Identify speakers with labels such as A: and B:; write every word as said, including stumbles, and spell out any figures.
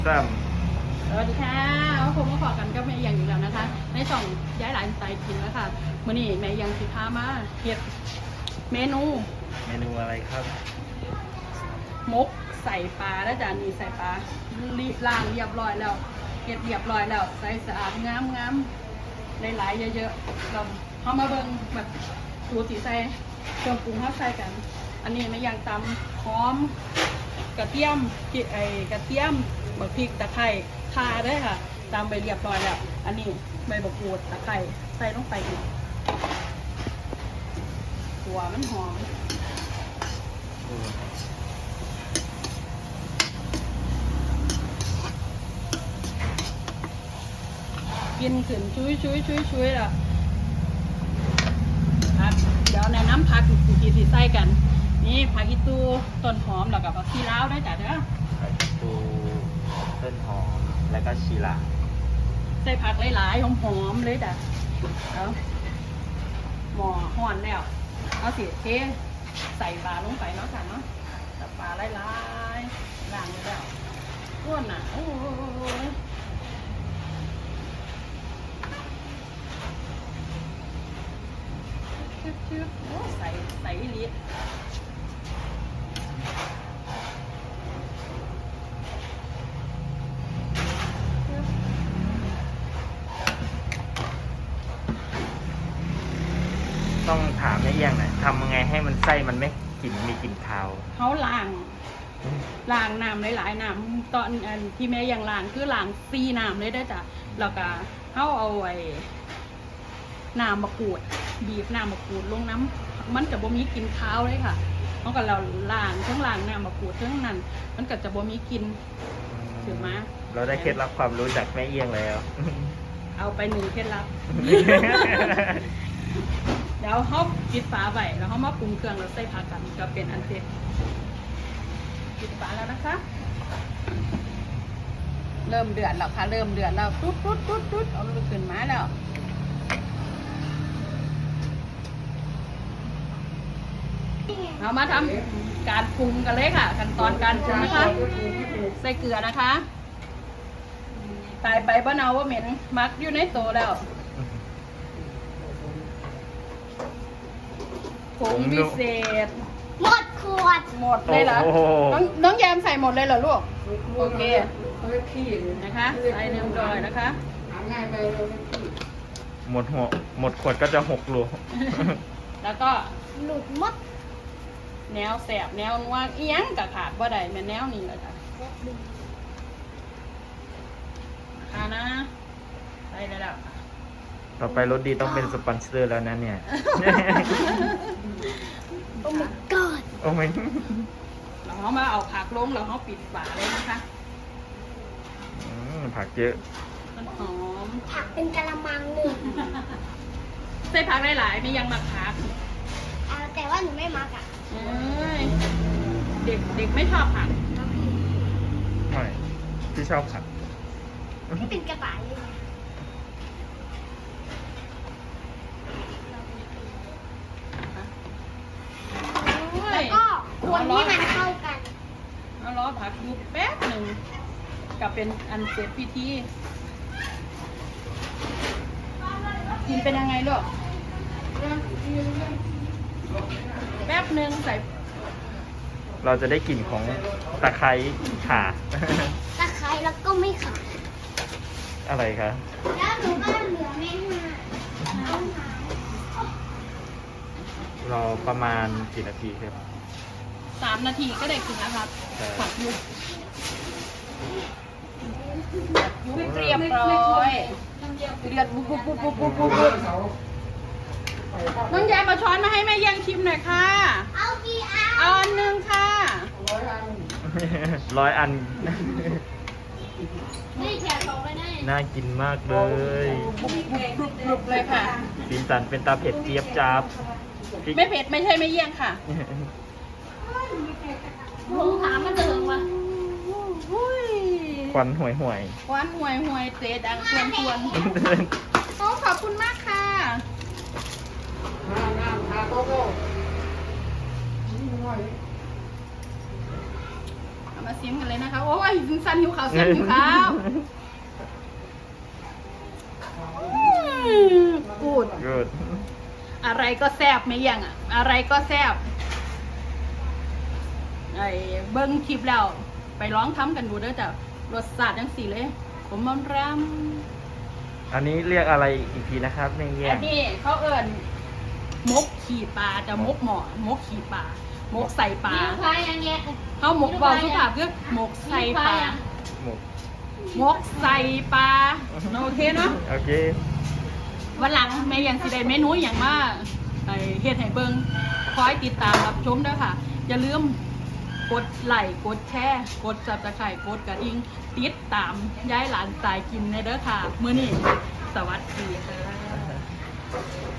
A: สาม
B: สวัสดีค่ะผมมาขอกันก็แม่ยังอยู่แล้วนะคะในช่องย้ายหลานสายกินแล้วค่ะมื่อนี้แม่ยังสิพามาเฮ็ดเมนู
A: เมนูอะไรครับ
B: มกใส่ปลาแล้วจ้ะนี่ใส่ปลาลีล้างเรียบร้อยแล้วเก็บเรียบร้อยแล้วใส่สะอาดงามงามหลายๆเยอะๆเราเอามาเบิ่งแบบสูตรสีใส่เครื่องปรุงเข้าใส่กัน อันนี้แม่ยังตำหอมกระเทียมพริกไอ้กระเทียมบักพริกตะไคร้ข่าด้วยค่ะตำไปเรียบร้อยแล้วอันนี้ใบบักกูดตะไคร้ใส่ลงไปอีกหัวมันหอมกินขึ้นชุยชุยชุยชุยล่ะผักเดี๋ยวในน้ำผักสูตรสีใส่กันนี่ผักอีตูต้นหอมแล้วกับผักชีลาวด้วยจ้ะเด้อ
A: ผักตูต้นหอมแล้วก็ชีลา
B: ใส่ผักหลายๆหอมๆเลยจ้ะเอาหม้อห่อนแล้วเอาสิเทใส่ปลาลงไปเนาะค่ะเนาะใส่ปลาหลายๆล้างเลยแล้วอ้วนอ่ะโอ้ยชึบๆโอ้ใส่ใส่ลิตร
A: ต้องถามแม่เอี้ยงหน่อยทำยังไงให้มันไส้มันไม่กลิ่นมีกลิ่นคาว
B: เขาล้างล้างน้ำหลายๆน้ำตอนอันที่แม่ยังล้างคือล้างซีน้ำเลยได้จ้ะแล้วก็เขาเอาไว้น้ำมะกรูดบีบน้ำมะกรูดลงน้ำมันจะบ่มีกลิ่นคาวเลยค่ะเพราะกับเราล้างทั้งล้างน้ำมะกรูดทั้งนั้นมันก็จะบ่มีกลิ่นถือมา
A: เราได้เคล็ดลับความรู้จากแม่เอี้ยงแล้ว
B: เอาไปหนึ่งเคล็ดลับ เดี๋ยวเขาปิดฝาไว้แล้วเขามาปรุงเครื่องแล้วใส่ผักกันก็เป็นอันเสร็จปิดฝาแล้วนะคะเริ่มเดือดแล้วค่ะเริ่มเดือดแล้วตุ๊ดตุ๊ดตุ๊ดตุ๊ดเอาลูกขึ้นมาแล้วเรามาทำการปรุงกันเลยค่ะขั้นตอนการปรุงนะคะใส่เกลือนะคะตายไปบ้านเอาว่าเหม็นมักอยู่ในโตแล้วผงพิเศษ
C: หมดขวด
B: หมดเลยเหรอน้องน้องแยมใส่หมดเลยเหรอลูกโอเคนะคะใส่เนื้อดอยนะคะ
A: หมดหัวหมดขวดก็จะหกรู
B: แล้วก็
C: หลุดมด
B: แนวแสบแนวนัวเอียงกับขาดว่าใดแม่แนวนี้แหละจ้ะค่ะนะใส่เลยแล้ว
A: ต่อไปรสดีต้องเป็นสปอนเซอร์แล้วนะเนี่ย
C: โอ้ my god
A: โอ้ไม่
B: เราเขามาเอาผักลงเราเขาปิดฝาเลยนะคะ
A: ผักเยอะ
B: ต้นหอม
C: ผักเป็นกะละมังหนึ่ง
B: ใส่ผักหลายๆไม่ยังมาผัก
C: แต่ว่าหนูไม่มักอ่ะ
B: เด็กเด็กไม่ชอบผัก
A: ไม่ที่ชอบผัก
C: ที่เป็นกระต่ายเลยแล้วก็คนที่มันเข้ากัน
B: เอาล้อผักยุบแป๊บหนึ่งกับเป็นอันเสร็จพิธีกินเป็นยังไงลูกแป๊บหนึ่งใส่
A: เราจะได้กลิ่นของตะไคร้ข่า
C: ตะไคร้แล้วก็ไม่ขาด
A: อะไรคะ
C: แล้วหนูก็เหลือแม่ม
A: ารอประมาณกี่นาทีครับ
B: สามนาทีก็ได้กินนะครับผักยุบยุบเรียบร้อยเดือดบุบบุบบุบบุบบุบบุบน้องแยมมาช้อนมาให้แม่เยี่ยงชิมหน่อยค่ะ
C: เอากี่อัน
B: เอาอันหนึ่งค่ะ
A: ร้อยอันร้อยอัน
C: นี่แขกสองเลยได้
A: น่ากินมากเลย
B: บุบบุบบุบเลยค่ะ
A: สีสันเป็นตาเผ็ดเจี๊ยบจับ
B: ไม่เผ็ดไม่ใช่ไม่เยี่ยงค่ะ
C: ผมถามมันจะถึงวะ
A: ควันห่วยห่วย
B: ควันห่วยห่วยเตะดังชวนชวนโอ้ขอบคุณมากค่ะมมาซิมกันเลยนะคะโอ้ยสันหิวข้าวเสียงหิวข้าวกูด
A: good
B: อะไรก็แซบไม่ยังอ่ะอะไรก็แซบไอ้เบิ้งคลิปแล้วไปร้องทำกันดูเด้อจ้ะรสชาติจังสีเลยผมมันรำ
A: อันนี้เรียกอะไรอีกทีนะครับในเงี้ย
B: อันนี้เขาเอิญมกขี่ปลาจะมกหมอมกขี่ปลามกใส่ปลา
C: มีใครอย่างเงี้ย
B: เขาหมกเบาสุภาพคือหมกใส่ปลา
A: หมก
B: มกใส่ปลาโอเคเนาะ
A: โอเค
B: วันหลังแม่ยังสิได้เมนูอย่างมากไอเฮ็ดให้เบิ่งคอยติดตามรับชมด้วยค่ะ อย่าลืมกดไลค์กดแชร์กดซับสไครต์กดกระดิ่งติดตามย้ายหลานสายกินในเด้อค่ะมื้อนี้สวัสดีค่ะ